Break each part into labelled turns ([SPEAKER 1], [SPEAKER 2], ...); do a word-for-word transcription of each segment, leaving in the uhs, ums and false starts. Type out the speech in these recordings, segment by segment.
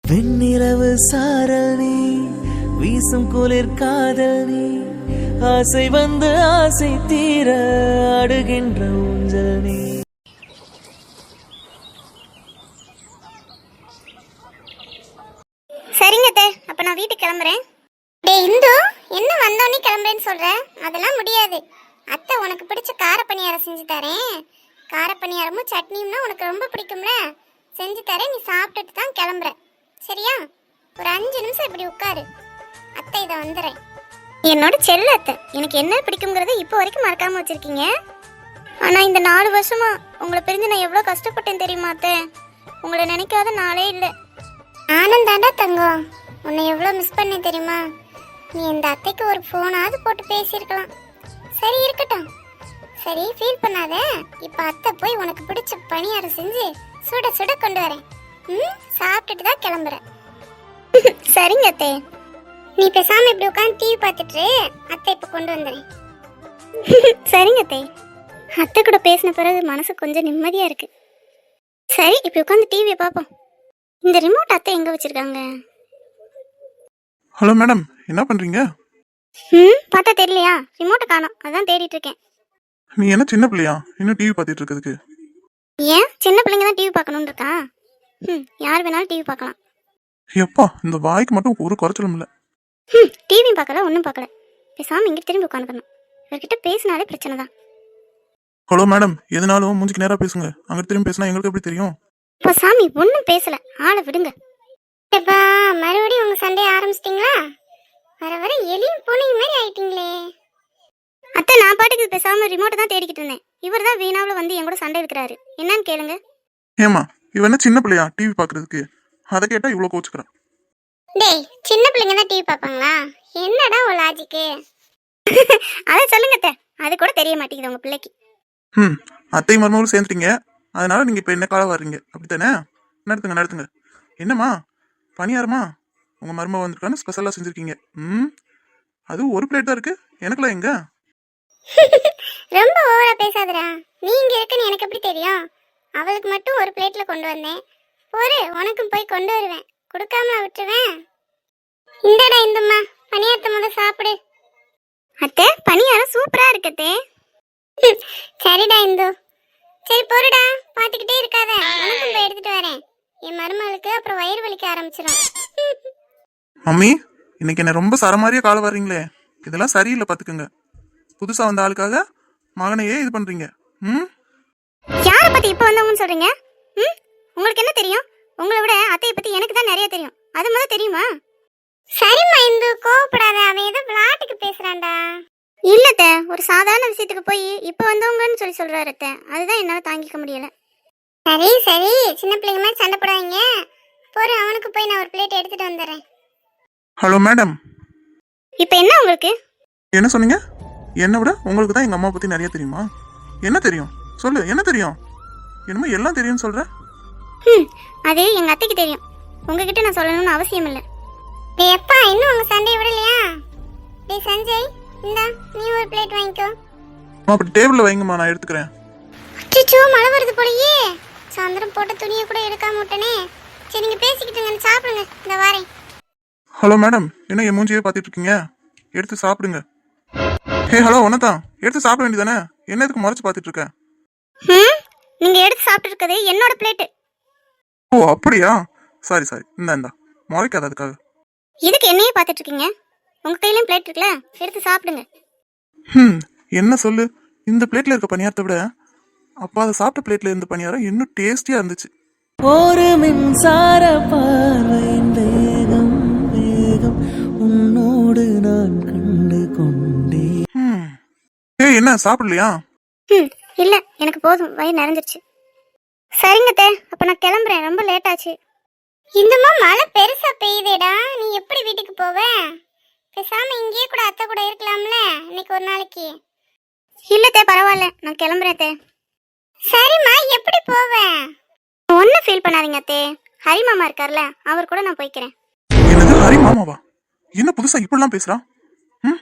[SPEAKER 1] வெண்ணிலவு சாரல் நீ, வீசும் குளிர் காதல் நீ, ஆசை வந்து ஆசை தீர அடுகின்ற ஊஞ்சல் நீ.
[SPEAKER 2] சரிங்க அத்தை, அப்ப நான் வீட்டுக்கு கிளம்புறேன். டேய் இந்து, என்ன வந்தோடனே கிளம்புறேன்னு சொல்ற? அதெல்லாம் முடியாது. அத்தை உனக்கு பிடிச்ச கார பணியாரம் செஞ்சு தரேன். கார பணியாரமும் சட்னியும்னா உனக்கு ரொம்ப பிடிக்கும்ல, செஞ்சு தரேன். நீ சாப்பிட்டுட்டு தான் கிளம்புற, சரியா? ஒரு அஞ்சு நிமிஷம் இப்படி உட்காரு, அத்தை இதை வந்துடுறேன். என்னோட செல்ல அத்தை, எனக்கு என்ன பிடிக்குங்கிறத இப்போ வரைக்கும் மறக்காம வச்சிருக்கீங்க. ஆனா இந்த நாலு வருஷமா உங்களை பிரிஞ்சு நான் எவ்வளோ கஷ்டப்பட்டேன் தெரியுமா அத்தை? உங்களை நினைக்காத நாளே இல்லை. ஆனந்தாண்டா தங்கம், உன்னை எவ்வளோ மிஸ் பண்ணேன் தெரியுமா? நீ இந்த அத்தைக்கு ஒரு ஃபோனாவது போட்டு பேசியிருக்கலாம். சரி இருக்கட்டும், சரி ஃபீல் பண்ணாத. இப்போ அத்தை போய் உனக்கு பிடிச்ச பணியாரம் செஞ்சு சுட சுட கொண்டு வரேன். ம், சாப்பிட்டுட்டு தான் கிளம்புறேன். சரிங்க அத்தை, நீ பேசாம இப்படி உட்காந்து டிவி பார்த்துட்டு அத்தை இப்போ கொண்டு வந்துடுறேன். சரிங்க அத்தை. அத்தை கூட பேசின பிறகு மனசு கொஞ்சம் நிம்மதியா இருக்கு. சரி இப்படி உட்காந்து டிவியை பார்ப்போம். இந்த ரிமோட் அத்தை எங்க வச்சிருக்காங்க?
[SPEAKER 3] ஹலோ மேடம், என்ன பண்றீங்க?
[SPEAKER 2] ம், பார்த்தா தெரியலையா? ரிமோட்டை காணோம், அதான் தேடிட்டு இருக்கேன்.
[SPEAKER 3] நீ என்ன சின்ன பிள்ளையா இன்னும் டிவி பார்த்துட்டு இருக்கிறதுக்கு?
[SPEAKER 2] ஏன் சின்ன பிள்ளைங்க தான் டிவி பார்க்கணும்னு இருக்கா? ம், யார் வேணாலும் டிவி பார்க்கலாம்.
[SPEAKER 3] எப்பா, இந்த வாய்க்கு மட்டும் ஒரு குறைச்சலும் இல்லை.
[SPEAKER 2] ம், டிவியும் பார்க்கல, ஒன்றும் பார்க்கல. பேசாம இங்கே திரும்பி உட்காந்துக்கணும். இவர்கிட்ட பேசினாலே பிரச்சனை தான்.
[SPEAKER 3] ஹலோ மேடம், எதுனாலும் மூஞ்சிக்கு நேராக பேசுங்க. அங்கே திரும்பி பேசினா எங்களுக்கு எப்படி தெரியும்?
[SPEAKER 2] இப்போ சாமி ஒன்றும் பேசல, ஆளை விடுங்க. எப்பா மறுபடியும் உங்க சண்டையை ஆரம்பிச்சிட்டிங்களா? வர வர எலியும் பூனையும் மாதிரி ஆயிட்டீங்களே. அத்தை நான் பாட்டுக்கு பேசாம ரிமோட்டை தான் தேடிக்கிட்டு இருந்தேன். இவர் தான் வீணாவில் வந்து என் கூட சண்டை இருக்கிறாரு. என்னன்னு கேளுங்க.
[SPEAKER 3] ஏமா, இவ என்ன சின்ன பிள்ளையா டிவி பார்க்கறதுக்கு? அதை கேட்டா இவ்வளோ கோச்சுக்கிறான்.
[SPEAKER 2] டேய், சின்ன பிள்ளைங்க தான் டிவி பார்ப்பாங்களா? என்னடா ஒரு லாஜிக்கு? அதை சொல்லுங்க அத்தை, அது கூட தெரிய மாட்டேங்குது உங்க பிள்ளைக்கு.
[SPEAKER 3] ம், அத்தை மருமகளும் சேர்ந்துட்டீங்க, அதனால நீங்க இப்போ என்ன காலம் வர்றீங்க, அப்படித்தானே? நடத்துங்க நடத்துங்க. என்னம்மா பணியாரமா? உங்க மருமக வந்திருக்கான்னு ஸ்பெஷலாக செஞ்சுருக்கீங்க. ம், அது ஒரு பிளேட் தான் இருக்கு, எனக்குலாம் எங்க?
[SPEAKER 2] ரொம்ப ஓவரா பேசாதடா. நீங்க இருக்குன்னு எனக்கு எப்படி தெரியும்? அவளுக்கு மட்டும் ஒரு பிளேட்ல கொண்டு வந்தேன். ஒரு உனக்கும் போய் கொண்டு வருவேன், கொடுக்காம விட்டுருவேன். இந்தடா இந்தம்மா, பணியாரத்தை முத சாப்பிடு. அத்தை பணியாரம் சூப்பரா இருக்கத்தே. சரிடா இந்து, சரி பொறுடா, பாத்துக்கிட்டே இருக்காத. உனக்கும் போய் எடுத்துட்டு வரேன். என் மருமகளுக்கு அப்புறம் வயிறு வலிக்க ஆரம்பிச்சிடும்.
[SPEAKER 3] மம்மி, இன்னைக்கு என்ன ரொம்ப சரமாரியா கால வர்றீங்களே, இதெல்லாம் சரியில்லை பாத்துக்கோங்க. புதுசா வந்த ஆளுக்காக மகனையே இது பண்றீங்க. ம்,
[SPEAKER 2] யாரை பத்தி இப்ப வந்தவங்கன்னு சொல்றீங்க? ம், உங்களுக்கு என்ன தெரியும்? உங்களை விட அத்தையை பத்தி எனக்கு தான் நிறைய தெரியும். அது முதல்ல தெரியுமா? சரிம்மா இந்து, கோவப்படாத. அவன் ஏதோ விளையாட்டுக்கு பேசுறான்டா. இல்லத்த, ஒரு சாதாரண விஷயத்துக்கு போய் இப்ப வந்தவங்கன்னு சொல்லி சொல்றாரு அத்தை. அதுதான் என்னால தாங்கிக்க முடியல. சரி சரி, சின்ன பிள்ளைங்க மாதிரி சண்டை போடாதீங்க. போற அவனுக்கு போய் நான் ஒரு பிளேட் எடுத்துட்டு வந்துடுறேன்.
[SPEAKER 3] ஹலோ மேடம்,
[SPEAKER 2] இப்ப என்ன உங்களுக்கு?
[SPEAKER 3] என்ன சொன்னீங்க? என்னை விட உங்களுக்கு தான் எங்க அம்மா பத்தி நிறைய தெரியுமா? என்ன தெரியும் சொல்லு, என்ன தெரியும்? என்னமோ எல்லாம் தெரியும்னு சொல்ற.
[SPEAKER 2] ம், அது எங்க அத்தைக்கு தெரியும், உங்ககிட்ட நான் சொல்லணும்னு அவசியம் இல்லை. டேய் அப்பா, இன்னும் உங்க சண்டையை விடலையா? டேய் சஞ்சய், இந்தா நீ ஒரு பிளேட் வாங்கிக்கோ.
[SPEAKER 3] அப்படி டேபிள்ல வைங்கம்மா, நான் எடுத்துக்கிறேன்.
[SPEAKER 2] அச்சோ, மழை வருது போலயே. சாயந்தரம் போட்ட துணியை கூட எடுக்காம விட்டனே. சரி நீங்க பேசிக்கிட்டுங்க, சாப்பிடுங்க, இந்த வாரேன்.
[SPEAKER 3] ஹலோ மேடம், என்ன என் மூஞ்சியே பார்த்துட்டு இருக்கீங்க? எடுத்து சாப்பிடுங்க. ஹே ஹலோ, ஒன்னதான் எடுத்து சாப்பிட வேண்டியதானே, என்ன எதுக்கு முறைச்சு பார்த்துட்டு இருக்க?
[SPEAKER 2] ம், நீங்க எடுத்து சாப்பிட்டு இருக்கதே என்னோட பிளேட்.
[SPEAKER 3] ஓ அப்படியா? சாரி சாரி, இந்தா இந்தா, முறைக்காத அதுக்காக.
[SPEAKER 2] இதுக்கு என்னையே பார்த்துட்டு இருக்கீங்க? உங்க கையிலயும் பிளேட் இருக்குல்ல, எடுத்து சாப்பிடுங்க.
[SPEAKER 3] ம், என்ன சொல்லு, இந்த பிளேட்ல இருக்க பணியாரத்தை விட அப்பா அதை சாப்பிட்ட பிளேட்ல இருந்த பணியாரம் இன்னும் டேஸ்டியா இருந்துச்சு.
[SPEAKER 1] ஒரு மின்சார பார்வையின் வேகம் வேகம் உன்னோடு நான் கண்டு கொண்டேன்.
[SPEAKER 3] ம், ஏய் என்ன சாப்பிடலையா?
[SPEAKER 2] ம், இல்ல எனக்கு போதும், வயிறு நிறைஞ்சிருச்சு. சரிங்க தே, அப்ப நான் கிளம்புறேன், ரொம்ப லேட் ஆச்சு. இந்தமா மழை பெருசா பெய்யுதேடா, நீ எப்படி வீட்டுக்கு போவ? பேசாம இங்கேயே கூட அத்தை கூட இருக்கலாம்ல இன்னைக்கு ஒரு நாளைக்கு. இல்ல தே, பரவாயில்ல, நான் கிளம்புறேன் தே. சரிம்மா, எப்படி போவ? ஒன்னும் ஃபீல் பண்ணாதீங்க அத்தே, ஹரி மாமா இருக்கார்ல, அவர் கூட நான் போய்க்கிறேன்.
[SPEAKER 3] என்னது ஹரி மாமாவா? என்ன புதுசா இப்படிலாம் பேசுறான்? ம்,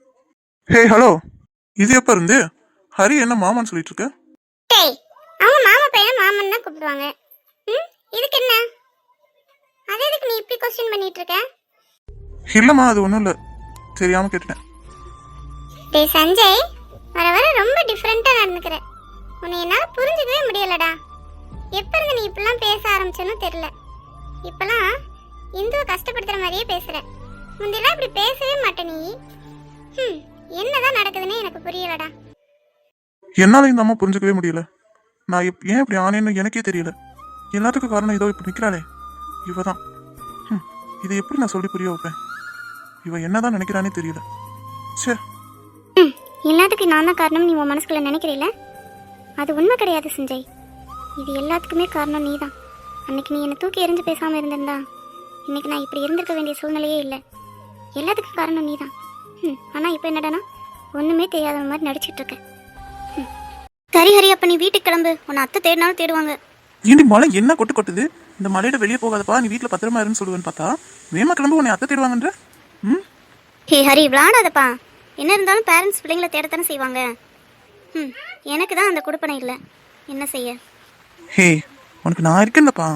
[SPEAKER 3] ஹே ஹலோ, இது எப்ப இருந்து ஹரி என்ன மாமான்னு சொல்லிட்டு இருக்க?
[SPEAKER 2] டேய், அவங்க மாமா பையன் மாமன் தான் கூப்பிடுவாங்க. ம், இதுக்கு என்ன? அது எதுக்கு நீ கொஸ்டின் பண்ணிட்டு இருக்க?
[SPEAKER 3] இல்லைம்மா அது ஒன்றும் இல்லை, தெரியாமல் கேட்டுட்டேன்.
[SPEAKER 2] டேய் சஞ்சய், வர வர ரொம்ப டிஃப்ரெண்டா நடந்துக்கிற. உன்னை என்னால புரிஞ்சுக்கவே முடியலடா. எப்ப இருந்து நீ இப்பெல்லாம் பேச ஆரம்பிச்சேன்னு தெரியல. இப்பெல்லாம் இந்துவை கஷ்டப்படுத்துற மாதிரியே பேசுற. முந்தியெல்லாம் இப்படி பேசவே மாட்டே நீ. ஹம், என்னதான் நடக்குதுன்னு எனக்கு புரியலடா.
[SPEAKER 3] என்னால் இந்த அம்மா புரிஞ்சுக்கவே முடியல. நான் எப் ஏன் இப்படி ஆனேன்னு எனக்கே தெரியல. எல்லாத்துக்கும் காரணம் இதோ இப்படி நிற்கிறாளே இவ தான். ம் இதை எப்படி நான் சொல்லி புரிய வைப்பேன்? இவ என்னதான் நினைக்கிறானே தெரியல. சே,
[SPEAKER 2] ம், எல்லாத்துக்கும் நான் தான் காரணம் நீ உன் மனசுக்குள்ள நினைக்கிறீல? அது உண்மை கிடையாது சஞ்சய். இது எல்லாத்துக்குமே காரணம் நீ தான். அன்னைக்கு நீ என்னை தூக்கி எறிஞ்சு பேசாமல் இருந்திருந்தா இன்னைக்கு நான் இப்படி இருந்திருக்க வேண்டிய சூழ்நிலையே இல்லை. எல்லாத்துக்கும் காரணம் நீ தான். ம் ஆனால் இப்போ என்னடானா ஒன்றுமே தெரியாத மாதிரி நடிச்சிட்டு இருக்க. ம் சரி ஹரி, அப்போ நீ வீட்டுக்கு கிளம்பு. உன்னை அத்தை தேடினாலும் தேடுவாங்க.
[SPEAKER 3] ஏண்டி மழை என்ன கொட்டு கொட்டுது? இந்த மலையில வெளியே போகாதப்பா, நீ வீட்டில் பத்திரமா இருன்னு சொல்லுவேன்னு பார்த்தா வேமா கிளம்பு, உன்னை அத்தை தேடுவாங்கன்ற. ம்
[SPEAKER 2] ஹே ஹரி, விளாடாதப்பா. என்ன இருந்தாலும் பேரண்ட்ஸ் பிள்ளைங்களை தேடத்தானே செய்வாங்க. ம் எனக்கு தான் அந்த கொடுப்பனை இல்லை, என்ன செய்ய.
[SPEAKER 3] ஹே, உனக்கு நான் இருக்கேன்லப்பா.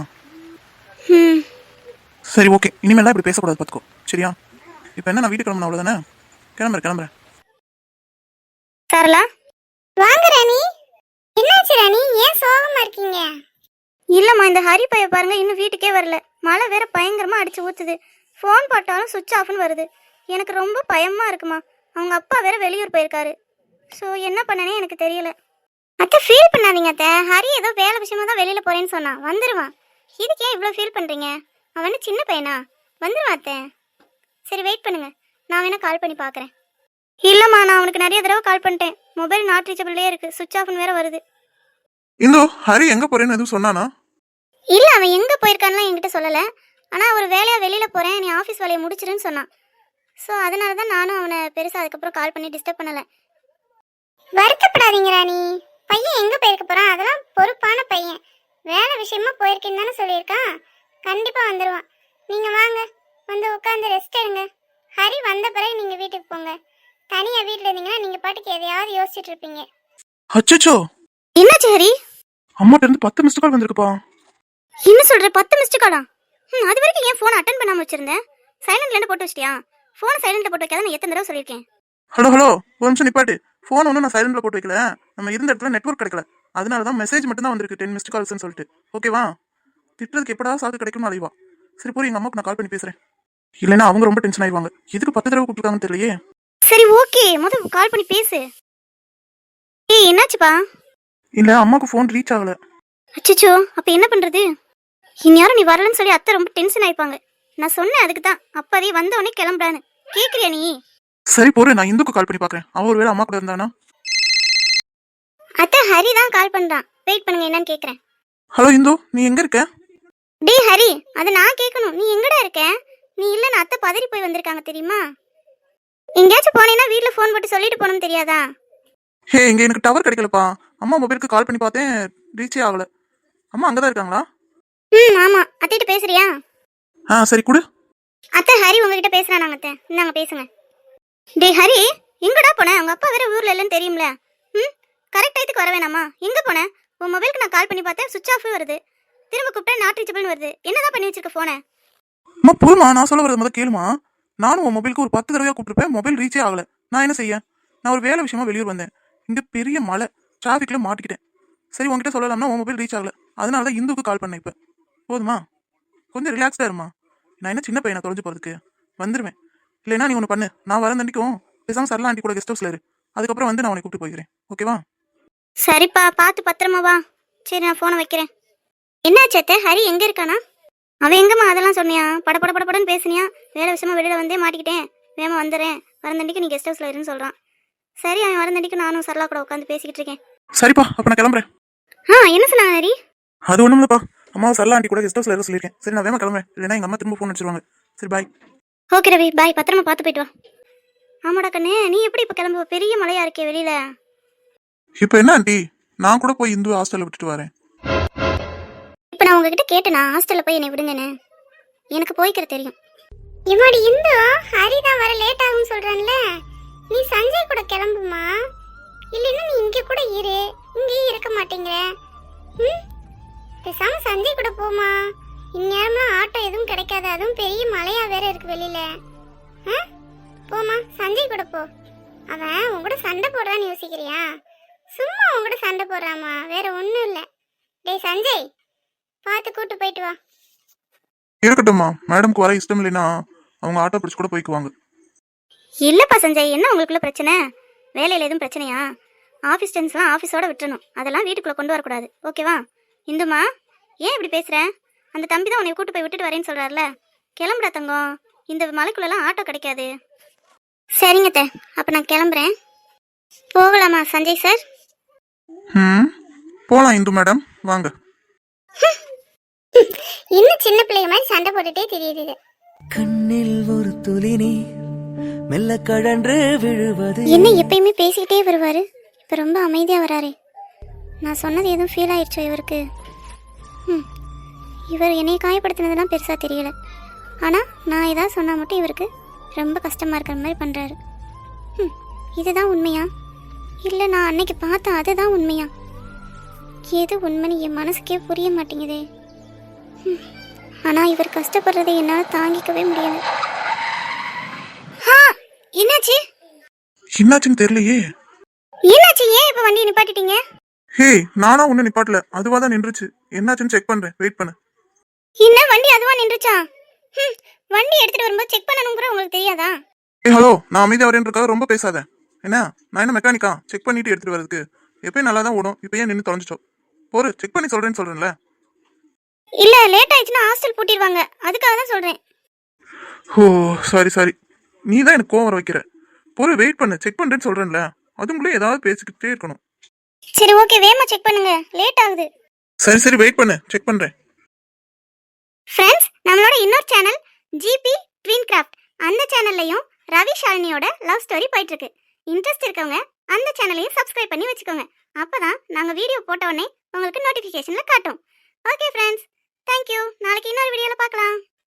[SPEAKER 2] ம்
[SPEAKER 3] சரி ஓகே, இனிமேலாம் இப்படி பேசக்கூடாது பார்த்துக்கோ, சரியா? இப்போ என்ன, நான் வீட்டுக்கு கிளம்புன அவ்வளோதானே? கிளம்புறேன் கிளம்புறேன்.
[SPEAKER 2] சரளா, வாங்க ராணி. என்னாச்சு ராணி, ஏன் சோகமா இருக்கீங்க? இல்லம்மா, இந்த ஹரி பைய பாருங்க, இன்னும் வீட்டுக்கே வரல. மழை வேற பயங்கரமா அடிச்சு ஊத்துது. ஃபோன் போட்டாலும் சுவிட்ச் ஆஃப்னு வருது. எனக்கு ரொம்ப பயமா இருக்குமா. அவங்க அப்பா வேற வெளியூர் போயிருக்காரு. ஸோ என்ன பண்ணனே எனக்கு தெரியல. அத்தை ஃபீல் பண்ணாதீங்க அத்தை. ஹரி ஏதோ வேலை விஷயமா தான் வெளியில போறேன்னு சொன்னான், வந்துருவான். இதுக்கு ஏன் இவ்வளோ ஃபீல் பண்றீங்க? அவன் சின்ன பையனா, வந்துருவான் அத்தை. சரி வெயிட் பண்ணுங்க, நான் வேணா கால் பண்ணி பார்க்குறேன். இல்லைம்மா, நான் அவனுக்கு நிறைய தடவை கால் பண்ணிட்டேன். மொபைல் நாட் ரீச்சபிள்லேயே இருக்கு, சுவிட்ச் ஆஃப்னு வேற வருது.
[SPEAKER 3] இந்தோ ஹரி எங்க போறேன்னு எதுவும் சொன்னானா?
[SPEAKER 2] இல்லை, அவன் எங்கே போயிருக்கான்லாம் என்கிட்ட சொல்லலை. ஆனால் ஒரு வேலையாக வெளியில் போகிறேன், நீ ஆஃபீஸ் வேலையை முடிச்சிருன்னு சொன்னான். ஸோ அதனால தான் நானும் அவனை பெருசாக அதுக்கப்புறம் கால் பண்ணி டிஸ்டர்ப் பண்ணலை. வருத்தப்படாதீங்க ராணி. பையன் எங்கே போயிருக்க போகிறான், அதெல்லாம் பொறுப்பான பையன். வேலை விஷயமா போயிருக்கேன்னு தானே சொல்லியிருக்கான். கண்டிப்பாக வந்துடுவான். நீங்கள் வாங்க, வந்து உட்காந்து ரெஸ்ட் எடுங்க. ஹரி வந்த பிறகு நீங்கள் வீட்டுக்கு போங்க. தனியாக வீட்டில் இருந்தீங்கன்னா நீங்கள் பாட்டுக்கு எதையாவது யோசிச்சுட்டு இருப்பீங்க.
[SPEAKER 3] அச்சச்சோ,
[SPEAKER 2] என்னாச்சு ஹரி?
[SPEAKER 3] அம்மாட்ட இருந்து பத்து மிஸ்டு கால் வந்திருக்குப்பா.
[SPEAKER 2] என்ன சொல்ற, பத்து மிஸ்டு காலா? ம் அது வரைக்கும் ஏன் ஃபோன் அட்டன் பண்ணாம வச்சிருந்தேன்? சைலண்ட்ல போட்டு வச்சிட்டியா? ஃபோன் சைலண்ட்ல போட்டு வைக்காத, நான் எத்தனை தடவை சொல்லியிருக்கேன்.
[SPEAKER 3] ஹலோ ஹலோ, ஒரு நிமிஷம் நிப்பாட்டு. ஃபோன் ஒன்றும் நான் சைலண்ட்ல போட்டு வைக்கல. நம்ம இருந்த இடத்துல நெட்வொர்க் கிடைக்கல, அதனால தான் மெசேஜ் மட்டும் தான் வந்திருக்கு, டென் மிஸ்டு கால்ஸ்னு சொல்லிட்டு. ஓகேவா? திட்டுறதுக்கு எப்படா சாக்கு கிடைக்கும்னு அலைவா. சரி போய் எங்க அம்மாவுக்கு நான் கால் பண்ணி பேசுறேன். இல்லைன்னா அவங்க ரொம்ப டென்ஷன் ஆயிடுவாங்க. எதுக்கு பத்து தடவை கூப்பிட்டுருக்காங்கன்னு தெரியலையே.
[SPEAKER 2] சரி ஓகே, முதல்ல கால் பண்ணி பேசு. ஏய் என்னாச்சுப்பா?
[SPEAKER 3] இல்ல அம்மாவுக்கு ஃபோன் ரீச் ஆகல.
[SPEAKER 2] அச்சச்சோ, அப்ப என்ன பண்றது? இந்நேரம் நீ வரலன்னு சொல்லி அத்தை ரொம்ப டென்ஷன் ஆயிப்பாங்க. நான் சொன்னேன் அதுக்கு தான், அப்பதே வந்தவொடனே கிளம்புறான்னு. கேக்குறியா நீ?
[SPEAKER 3] சரி போரு, நான் இந்துக்கு கால் பண்ணி பாக்குறேன். அவ ஒருவேளை அம்மா கூட இருந்தானா?
[SPEAKER 2] அத்தை ஹரி தான் கால் பண்றான், வெயிட் பண்ணுங்க என்னன்னு கேக்குறேன்.
[SPEAKER 3] ஹலோ இந்து, நீ எங்க இருக்க?
[SPEAKER 2] டேய் ஹரி, அது நான் கேட்கணும், நீ எங்கடா இருக்க? நீ இல்லைன்னு அத்தை பதறி போய் வந்திருக்காங்க தெரியுமா? எங்கேயாச்சும் போனேன்னா வீட்டில் ஃபோன் போட்டு சொல்லிட்டு போகணும்னு தெரியாதா?
[SPEAKER 3] ஹே, இங்க எனக்கு டவர் கிடைக்கலப்பா. அம்மா மொபைலுக்கு கால் பண்ணி பார்த்தேன், ரீச்சே ஆகல. அம்மா அங்கதான் இருக்காங்களா?
[SPEAKER 2] ம் ஆமா, அத்தைகிட்ட பேசுறியா?
[SPEAKER 3] ஆ சரி கொடு.
[SPEAKER 2] அத்தை ஹரி உங்ககிட்ட பேசுறானாங்க அத்தை, இந்தாங்க பேசுங்க. டேய் ஹரி, எங்கடா போன? உங்க அப்பா வேற ஊர்ல இல்லைன்னு தெரியும்ல. ம் கரெக்ட் டயத்துக்கு வர வேணாமா? எங்க போன? உன் மொபைலுக்கு நான் கால் பண்ணி பார்த்தேன், சுவிட்ச் ஆஃப் வருது. திரும்ப கூப்பிட்டா நாட் ரீச்சபிள்னு வருது. என்னதான் பண்ணி வச்சிருக்க போன?
[SPEAKER 3] அம்மா போதுமா, நான் சொல்ல வரது முதல் கேளுமா. நானும் உன் மொபைலுக்கு ஒரு பத்து தடவையா கூப்பிட்டுருப்பேன், மொபைல் ரீச்சே ஆகல. நான் என்ன செய்ய? நான் ஒரு வேலை விஷயமா வெளியூர் வந்தேன். இங்க பெரிய மழை, டிராஃபிக்ல மாட்டிக்கிட்டேன். சரி உங்ககிட்ட சொல்லலாம்னா உன் மொபைல் ரீச் ஆகல, அதனால தான் இந்துக்கு கால் பண்ணேன். இப்போ போதுமா? கொஞ்சம் ரிலாக்ஸ்டா இருமா. நான் என்ன சின்ன பையனை தொலைஞ்சு போறதுக்கு? வந்துருவேன். இல்லைன்னா நீ ஒன்று பண்ணு, நான் வரேன் தண்டிக்கும் பேசாம சரலா ஆண்டி கூட கெஸ்ட் ஹவுஸ்ல இரு. அதுக்கப்புறம் வந்து நான் உன்னை கூப்பிட்டு போய்க்கிறேன். ஓகேவா?
[SPEAKER 2] சரிப்பா, பார்த்து பத்திரமா வா. சரி நான் ஃபோனை வைக்கிறேன். என்னாச்சு அத்தை, ஹரி எங்க இருக்கானா? அவன் எங்கம்மா அதெல்லாம் சொன்னியா? பட பட பட படன்னு பேசுனியா? வேலை விஷயமா வெளியில வந்தே மாட்டிக்கிட்டேன், வேமா வந்துடுறேன், வரந்தண்டிக்கு நீ கெஸ்ட் ஹவுஸ்ல இருன்னு சொல்றான். சரி, அவன் வரந்தண்டிக்கு நானும் சரலா கூட உட்காந்து பேசிக்கிட்டு இருக்கேன்.
[SPEAKER 3] சரிப்பா, அப்ப நான் கிளம்புறேன்.
[SPEAKER 2] ஆ என்ன சொன்னாங்க ஹரி?
[SPEAKER 3] அது ஒண்ணும் இல்லப்பா, அம்மா சரலா ஆண்டி கூட கெஸ்ட் ஹவுஸ்ல இருக்க சொல்லியிருக்கேன். சரி நான் வேமா கிளம்புறேன், இல்லைன்னா எங்க அம்மா திரும்ப ஃபோன் அடிச்சிருவாங்க. சரி பாய்.
[SPEAKER 2] ஓகே ரவி, பாய், பத்திரமா பார்த்து போயிட்டு வா. ஆமாடா கண்ணு, நீ எப்படி இப்போ கிளம்புவ? பெரிய மழையா இருக்கே வெளியில.
[SPEAKER 3] இப்போ என்ன ஆண்டி, நான் கூட போய் இந்து ஹாஸ்டல்ல விட்டுட்டு வரேன்.
[SPEAKER 2] இப்போ நான் உங்ககிட்ட கேட்டேனா ஹாஸ்டல்ல போய் என்னை விடுங்கன்னு? எனக்கு போய்க்கிற தெரியும். இவடி இந்து ஹரி தான் வர லேட் ஆகும்னு சொல்றான்ல, நீ சஞ்சய் கூட கிளம்புமா, இல்லைன்னா நீ இங்கே கூட இரு, இங்கேயே இருக்க மாட்டேங்கிற. ம் பேசாம சஞ்சய் கூட போமா. இந்நேரம்லாம் ஆட்டோ எதுவும் கிடைக்காது, அதுவும் பெரிய மழையா வேற இருக்கு வெளியில. ஆ? போமா சஞ்சய் கூட போ. அவன் உன் கூட சண்டை போடுறான்னு யோசிக்கிறியா? சும்மா உன் கூட சண்டை போடுறாமா, வேற ஒன்றும் இல்லை. டேய் சஞ்சய், பார்த்து கூட்டு போயிட்டு வா.
[SPEAKER 3] இருக்கட்டும்மா, மேடம்க்கு வர இஷ்டம் இல்லைன்னா அவங்க ஆட்டோ பிடிச்சி கூட போய்க்குவாங்க.
[SPEAKER 4] இல்லைப்பா சஞ்சய், என்ன உங்களுக்குள்ள பிரச்சனை? வேலையில் எதுவும் பிரச்சனையா? ஆஃபீஸ் டென்ஸ்லாம் ஆஃபீஸோட விட்டுறணும், அதெல்லாம் வீட்டுக்குள்ளே கொண்டு வரக்கூடாது, ஓகேவா? இந்துமா, ஏன் இப்படி பேசுகிற? அந்த தம்பி தான் உன்னை கூட்டு போய் விட்டுட்டு வரேன்னு சொல்கிறாருல, கிளம்புடா தங்கம், இந்த மலைக்குள்ளெல்லாம் ஆட்டோ கிடைக்காது.
[SPEAKER 2] சரிங்க தே, அப்போ நான் கிளம்புறேன். போகலாமா சஞ்சய் சார்?
[SPEAKER 3] ம் போகலாம் இந்து மேடம், வாங்க.
[SPEAKER 2] இன்னும் சின்ன பிள்ளைங்க மாதிரி சண்டை போட்டுட்டே தெரியுது இது.
[SPEAKER 1] கண்ணில் ஒரு துளி நீர் மெல்ல கழன்று விழுவது.
[SPEAKER 2] என்ன எப்பயுமே பேசிக்கிட்டே வருவாரு, இப்போ ரொம்ப அமைதியாக வராரு. நான் சொன்னது எதுவும் ஃபீல் ஆயிடுச்சோ இவருக்கு? ம் இவர் என்னை காயப்படுத்தினதெல்லாம் பெருசாக தெரியல, ஆனால் நான் ஏதாவது சொன்னால் மட்டும் இவருக்கு ரொம்ப கஷ்டமாக இருக்கிற மாதிரி பண்ணுறாரு. ம் இதுதான் உண்மையா, இல்லை நான் அன்னைக்கு பார்த்தேன் அதுதான் உண்மையா? எது உண்மைன்னு என் மனசுக்கே புரிய மாட்டேங்குதே. ம் ஆனால் இவர் கஷ்டப்படுறதை என்னால் தாங்கிக்கவே முடியல. என்னாச்சு?
[SPEAKER 3] என்னாச்சுன்னு தெரியலையே.
[SPEAKER 2] என்னாச்சு? ஏன் இப்போ வண்டி நிப்பாட்டிட்டீங்க?
[SPEAKER 3] ஹே, நானா ஒன்னும் நிப்பாட்டல, அதுவா தான் நின்றுச்சு. என்னாச்சுன்னு செக் பண்றேன், வெயிட் பண்ணு.
[SPEAKER 2] என்ன வண்டி அதுவா நின்றுச்சா? ம் வண்டி எடுத்துட்டு வரும்போது செக் பண்ணணும்ங்கற உங்களுக்கு தெரியாதா?
[SPEAKER 3] ஏ ஹலோ, நான் அமைதியா வரேன்றதுக்காக ரொம்ப பேசாத. என்ன நான் என்ன மெக்கானிக்கா செக் பண்ணிட்டு எடுத்துட்டு வரதுக்கு? எப்பயும் நல்லா தான் ஓடும், இப்போ ஏன் நின்று தொலைஞ்சிட்டோம்? போரு செக் பண்ணி சொல்றேன்னு சொல்றேன்ல.
[SPEAKER 2] இல்ல லேட் ஆயிடுச்சுன்னா ஹாஸ்டல் பூட்டிடுவாங்க, அதுக்காக தான் சொல்றேன்.
[SPEAKER 3] ஓ சாரி சாரி, நீ தான் எனக்கு கோவம் வர வைக்கிற. போரு வெயிட் பண்ணு, செக் பண்றேன்னு சொல்றேன்ல, அதுக்குள்ளே ஏதாவது பேசிக்கிட்டே இருக்கணும்.
[SPEAKER 2] சரி ஓகே, வேகமா செக் பண்ணுங்க, லேட் ஆகுது.
[SPEAKER 3] சரி சரி வெயிட் பண்ணு, செக் பண்றேன்.
[SPEAKER 2] ஃப்ரெண்ட்ஸ், நம்மளோட இன்னொரு சேனல் ஜிபி ட்வின் கிராஃப்ட், அந்த சேனல்லையும் ரவி ஷாலினியோட லவ் ஸ்டோரி போயிட்டு இருக்கு. இன்ட்ரெஸ்ட் இருக்கவங்க அந்த சேனலையும் சப்ஸ்கிரைப் பண்ணி வச்சுக்கோங்க, அப்பதான் நாங்க வீடியோ போட்ட உடனே உங்களுக்கு நோட்டிபிகேஷன்ல காட்டும். Okay friends, thank you. நாளைக்கு இன்னொரு வீடியோல பார்க்கலாம்.